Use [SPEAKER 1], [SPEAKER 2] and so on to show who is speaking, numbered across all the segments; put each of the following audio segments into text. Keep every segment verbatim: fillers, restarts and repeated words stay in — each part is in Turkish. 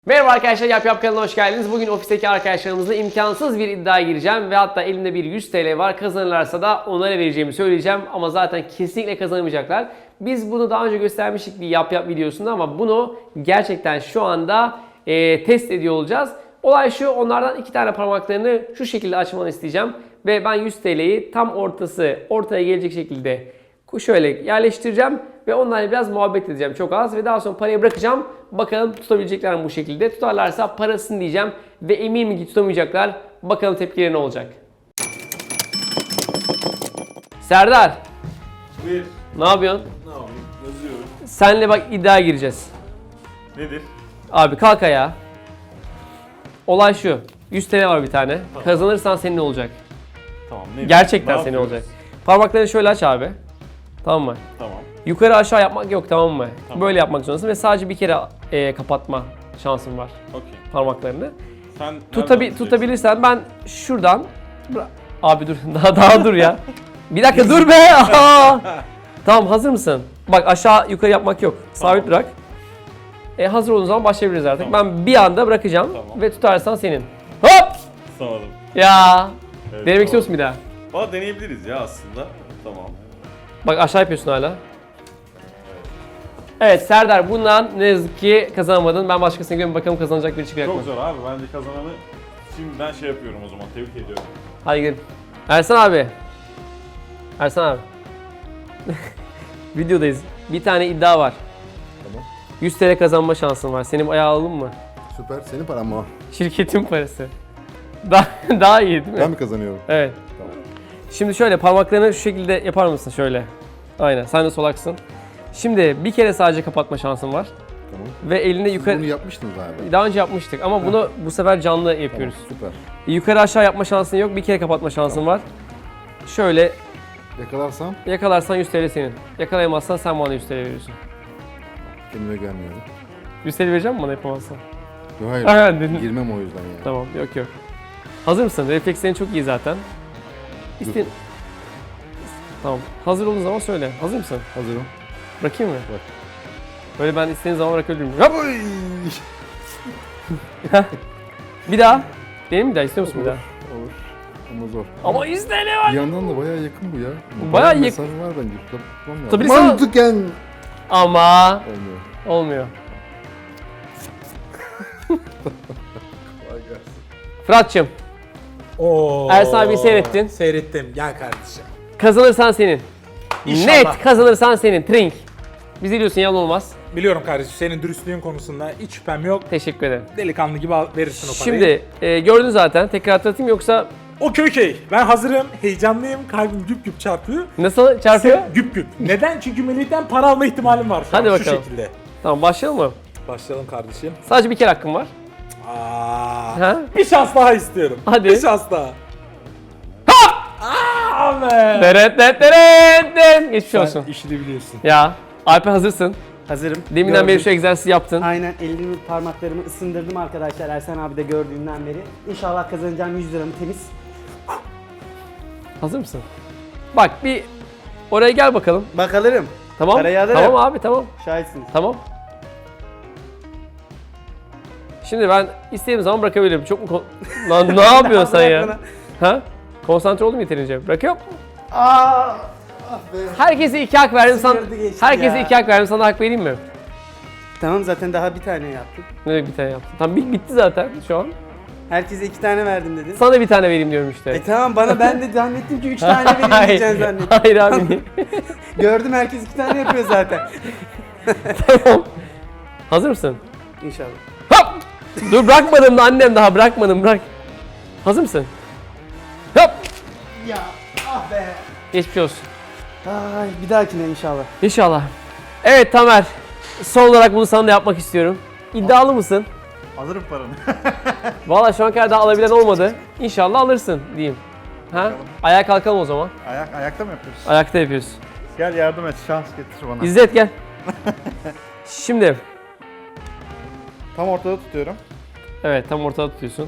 [SPEAKER 1] Merhaba arkadaşlar, Yap Yap kanalına hoş geldiniz. Bugün ofisteki arkadaşlarımızla imkansız bir iddiaya gireceğim ve hatta elimde bir yüz TL var. Kazanırlarsa da onlara vereceğimi söyleyeceğim ama zaten kesinlikle kazanamayacaklar. Biz bunu daha önce göstermiştik bir Yap Yap videosunda ama bunu gerçekten şu anda e, test ediyor olacağız. Olay şu, onlardan iki tane parmaklarını şu şekilde açmanı isteyeceğim ve ben yüz TL'yi tam ortası ortaya gelecek şekilde şöyle yerleştireceğim ve onlarla biraz muhabbet edeceğim çok az ve daha sonra parayı bırakacağım. Bakalım tutabilecekler mi bu şekilde? Tutarlarsa parasını diyeceğim ve eminim ki tutamayacaklar. Bakalım tepkileri ne olacak? Serdar,
[SPEAKER 2] Buyur.
[SPEAKER 1] ne yapıyorsun?
[SPEAKER 2] Ne yapayım? Yazıyorum.
[SPEAKER 1] Senle bak iddiaya gireceğiz.
[SPEAKER 2] Nedir?
[SPEAKER 1] Abi kalk ayağa. Olay şu. yüz TL var bir tane. Kazanırsan senin olacak.
[SPEAKER 2] Tamam. Nedir?
[SPEAKER 1] Gerçekten
[SPEAKER 2] Ne
[SPEAKER 1] senin
[SPEAKER 2] yapıyoruz?
[SPEAKER 1] olacak. Parmaklarını şöyle aç abi. Tamam mı?
[SPEAKER 2] Tamam.
[SPEAKER 1] Yukarı aşağı yapmak yok, tamam mı?
[SPEAKER 2] Tamam.
[SPEAKER 1] Böyle yapmak zorundasın ve sadece bir kere e, kapatma şansın var
[SPEAKER 2] Okey.
[SPEAKER 1] parmaklarını.
[SPEAKER 2] Sen
[SPEAKER 1] Tutabi
[SPEAKER 2] nereden
[SPEAKER 1] tutabilirsen ben şuradan Bıra- abi dur daha daha dur ya. Bir dakika dur be. Aa! Tamam, hazır mısın? Bak aşağı yukarı yapmak yok. Sabit
[SPEAKER 2] Tamam.
[SPEAKER 1] bırak. E, hazır olduğun zaman başlayabiliriz artık.
[SPEAKER 2] Tamam.
[SPEAKER 1] Ben bir anda bırakacağım
[SPEAKER 2] Tamam.
[SPEAKER 1] ve tutarsan senin. Hop!
[SPEAKER 2] Sağladım.
[SPEAKER 1] Ya.
[SPEAKER 2] Evet,
[SPEAKER 1] Denemek istiyor musun bir daha?
[SPEAKER 2] Valla deneyebiliriz ya aslında. Tamam.
[SPEAKER 1] Bak aşağı yapıyorsun hala. Evet Serdar, bundan ne yazık ki kazanamadın. Ben başkasına gidiyorum, bakalım kazanacak biri çıkacak mı?
[SPEAKER 2] Çok zor abi. Bence kazananı şimdiden şey yapıyorum o zaman. Tebrik ediyorum.
[SPEAKER 1] Hadi gidelim. Ersan abi. Ersan abi. Videodayız. Bir tane iddia var.
[SPEAKER 3] Tamam.
[SPEAKER 1] yüz TL kazanma şansın var. Senin ayağı alalım mı?
[SPEAKER 3] Süper. Senin paran mı o?
[SPEAKER 1] Şirketin parası. Daha, daha iyi değil mi?
[SPEAKER 3] Ben mi kazanıyorum?
[SPEAKER 1] Evet.
[SPEAKER 3] Tamam.
[SPEAKER 1] Şimdi şöyle parmaklarını şu şekilde yapar mısın şöyle? Aynen. Sen de solaksın. Şimdi bir kere sadece kapatma şansın var.
[SPEAKER 3] Tamam.
[SPEAKER 1] Ve elini
[SPEAKER 3] Siz
[SPEAKER 1] yukarı...
[SPEAKER 3] bunu yapmıştınız abi.
[SPEAKER 1] Daha önce yapmıştık ama bunu bu sefer canlı
[SPEAKER 3] Tamam,
[SPEAKER 1] yapıyoruz.
[SPEAKER 3] süper.
[SPEAKER 1] Yukarı aşağı yapma şansın yok. Bir kere kapatma şansın var. Şöyle
[SPEAKER 3] Yakalarsam
[SPEAKER 1] yakalarsan yüz TL senin. Yakalayamazsan sen bana yüz TL veriyorsun.
[SPEAKER 3] kendime gelmiyorum.
[SPEAKER 1] yüz TL vereceğim mi bana yapamazsan?
[SPEAKER 3] Yok hayır.
[SPEAKER 1] Aha, dedin.
[SPEAKER 3] Girmem o yüzden yani.
[SPEAKER 1] Tamam, yok yok. Hazır mısın? Reflekslerin çok iyi zaten. İste... Tamam. Hazır olduğun zaman söyle. Hazır mısın?
[SPEAKER 3] Hazırım.
[SPEAKER 1] Bırakayım mı?
[SPEAKER 3] Bak.
[SPEAKER 1] Böyle ben istediğin zaman bırakabilirim. Hop!
[SPEAKER 3] Oy!
[SPEAKER 1] Bir daha. Benim bir daha istiyor musun bir daha?
[SPEAKER 3] Olur. Ama zor.
[SPEAKER 1] Ama yüz TL var.
[SPEAKER 3] Bir yandan da bayağı yakın bu ya.
[SPEAKER 1] Bayağı
[SPEAKER 3] Bayağı
[SPEAKER 1] yak-
[SPEAKER 3] mesafe var bence. Tutmam lazım.
[SPEAKER 1] Tabii sen-
[SPEAKER 3] Mantıken
[SPEAKER 1] Ama
[SPEAKER 3] olmuyor.
[SPEAKER 1] olmuyor.
[SPEAKER 3] Kolay gelsin.
[SPEAKER 1] Fırat'cığım,
[SPEAKER 4] Oo.
[SPEAKER 1] Ersan abi seyrettin.
[SPEAKER 4] Seyrettim. Gel kardeşim.
[SPEAKER 1] Kazanırsan senin.
[SPEAKER 4] İnşallah.
[SPEAKER 1] Net kazanırsan senin. Trink. Bizi biliyorsun, yalan olmaz.
[SPEAKER 4] Biliyorum kardeşim, senin dürüstlüğün konusunda hiç şüphem yok.
[SPEAKER 1] Teşekkür ederim.
[SPEAKER 4] Delikanlı gibi al- verirsin o parayı.
[SPEAKER 1] Şimdi e, gördün zaten. Tekrar hatırlatayım yoksa
[SPEAKER 4] Okey okey. Ben hazırım. Heyecanlıyım. Kalbim güp güp çarpıyor.
[SPEAKER 1] nasıl çarpıyor?
[SPEAKER 4] Sen- Güp güp. Neden? Çünkü Melih'ten para alma ihtimalim var şu
[SPEAKER 1] Hadi
[SPEAKER 4] an.
[SPEAKER 1] bakalım.
[SPEAKER 4] Şu şekilde.
[SPEAKER 1] Tamam, başlayalım mı?
[SPEAKER 4] Başlayalım kardeşim.
[SPEAKER 1] Sadece bir kere hakkım var.
[SPEAKER 4] Aa.
[SPEAKER 1] Ha?
[SPEAKER 4] Bir şans daha istiyorum.
[SPEAKER 1] Hadi.
[SPEAKER 4] Bir şans daha. Aa be.
[SPEAKER 1] Deret deret deret deret. Geçmiş
[SPEAKER 4] Sen
[SPEAKER 1] olsun.
[SPEAKER 4] işini biliyorsun.
[SPEAKER 1] Ya Alper, hazırsın.
[SPEAKER 5] Hazırım.
[SPEAKER 1] Deminden beri
[SPEAKER 5] Gördüm.
[SPEAKER 1] şu egzersizi yaptın.
[SPEAKER 5] Aynen, elimi parmaklarımı ısındırdım arkadaşlar, Ersan abi de gördüğünden beri. İnşallah kazanacağım yüz liramı temiz.
[SPEAKER 1] Hazır mısın? Bak bir oraya gel bakalım.
[SPEAKER 5] Bakalım.
[SPEAKER 1] Tamam.
[SPEAKER 5] Parayı alırım.
[SPEAKER 1] Tamam abi, tamam.
[SPEAKER 5] Şahitsiniz.
[SPEAKER 1] Tamam. Şimdi ben istediğim zaman bırakabilirim. Çok mu kon- Lan ne yapıyorsun sen ya?
[SPEAKER 5] Bırak
[SPEAKER 1] Ha? Konsantre oldum yeterince. Bırakıyor.
[SPEAKER 5] Aa!
[SPEAKER 1] Herkese iki hak verdim sana.
[SPEAKER 5] Sıyırdı geçti
[SPEAKER 1] Herkese
[SPEAKER 5] ya.
[SPEAKER 1] iki hak verdim, sana hak vereyim mi?
[SPEAKER 5] Tamam, zaten daha bir tane yaptım.
[SPEAKER 1] Ne demek bir tane yaptın? Tamam, bit- bitti zaten şu an.
[SPEAKER 5] Herkese iki tane verdim dedin.
[SPEAKER 1] Sana bir tane vereyim diyorum işte.
[SPEAKER 5] E tamam, bana ben de zannettim ki üç tane vereyim diyeceksin zannettim.
[SPEAKER 1] Hayır abi.
[SPEAKER 5] Gördüm, herkes iki tane yapıyor zaten.
[SPEAKER 1] Tamam. Hazır mısın?
[SPEAKER 5] İnşallah.
[SPEAKER 1] Hop! Dur, bırakmadım da annem, daha bırakmadım, bırak. Hazır mısın? Hop!
[SPEAKER 5] Ya ah be.
[SPEAKER 1] Geçmiş olsun.
[SPEAKER 5] Ay, bir dahakine inşallah.
[SPEAKER 1] İnşallah. Evet Tamer. Son olarak bunu sana da yapmak istiyorum. İddialı mısın?
[SPEAKER 2] Alırım paranı.
[SPEAKER 1] Vallahi şu an kadar daha alabilen olmadı. İnşallah alırsın diyeyim. Ha? Ayağa kalkalım o zaman.
[SPEAKER 2] Ayak, ayakta mı yapıyoruz?
[SPEAKER 1] Ayakta yapıyoruz.
[SPEAKER 2] Gel yardım et. Şans getir bana.
[SPEAKER 1] İzzet gel. Şimdi.
[SPEAKER 2] Tam ortada tutuyorum.
[SPEAKER 1] Evet, tam ortada tutuyorsun.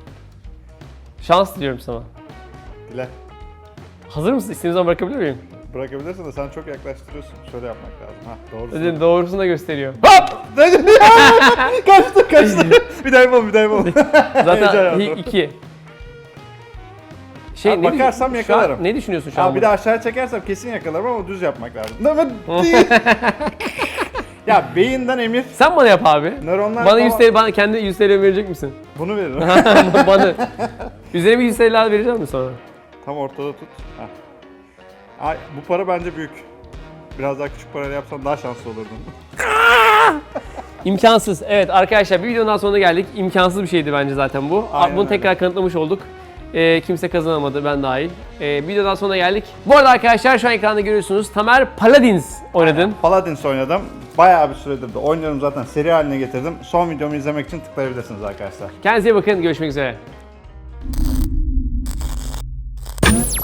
[SPEAKER 1] Şans diliyorum sana.
[SPEAKER 2] Dile.
[SPEAKER 1] Hazır mısın? İstediğin zaman bırakabilir miyim?
[SPEAKER 6] bırakabilirsin de sen çok yaklaştırıyorsun. Şöyle yapmak lazım. Ha doğru.
[SPEAKER 1] Ödün doğrusunu da gösteriyor. Hop!
[SPEAKER 6] Kaçtı kaçtı. Bir daha yapalım bir daha yapalım.
[SPEAKER 1] Zaten
[SPEAKER 6] Heyecan
[SPEAKER 1] ilk
[SPEAKER 6] yaptım.
[SPEAKER 1] iki. Şey,
[SPEAKER 6] Abi
[SPEAKER 1] ne düşün-
[SPEAKER 6] bakarsam
[SPEAKER 1] şu an
[SPEAKER 6] yakalarım.
[SPEAKER 1] ne düşünüyorsun şu an?
[SPEAKER 6] Abi bir
[SPEAKER 1] burada?
[SPEAKER 6] de aşağıya çekersem kesin yakalarım ama düz yapmak lazım. Ama değil. Ya beyinden emir.
[SPEAKER 1] Sen bana yap abi.
[SPEAKER 6] Nöronlar
[SPEAKER 1] Bana
[SPEAKER 6] falan-
[SPEAKER 1] yüz T L, bana kendi yüz T L verecek misin?
[SPEAKER 6] Bunu veririm.
[SPEAKER 1] Bana. Üzerine bir yüz T L daha vereceğim mi sonra?
[SPEAKER 6] Tam ortada tut. Heh. Ay, bu para bence büyük. Biraz daha küçük parayla yapsan daha şanslı olurdun.
[SPEAKER 1] İmkansız. Evet arkadaşlar bir videonun daha sonuna geldik. İmkansız bir şeydi bence zaten bu.
[SPEAKER 6] Aynen
[SPEAKER 1] Bunu
[SPEAKER 6] öyle.
[SPEAKER 1] tekrar kanıtlamış olduk. Ee, kimse kazanamadı ben dahil. Ee, videodan sonuna geldik. Bu arada arkadaşlar şu an ekranda görüyorsunuz. Tamer Paladins oynadın.
[SPEAKER 6] Paladins oynadım. Bayağı bir süredir de oynuyorum zaten. Seri haline getirdim. Son videomu izlemek için tıklayabilirsiniz arkadaşlar.
[SPEAKER 1] Kendinize iyi bakın. Görüşmek üzere.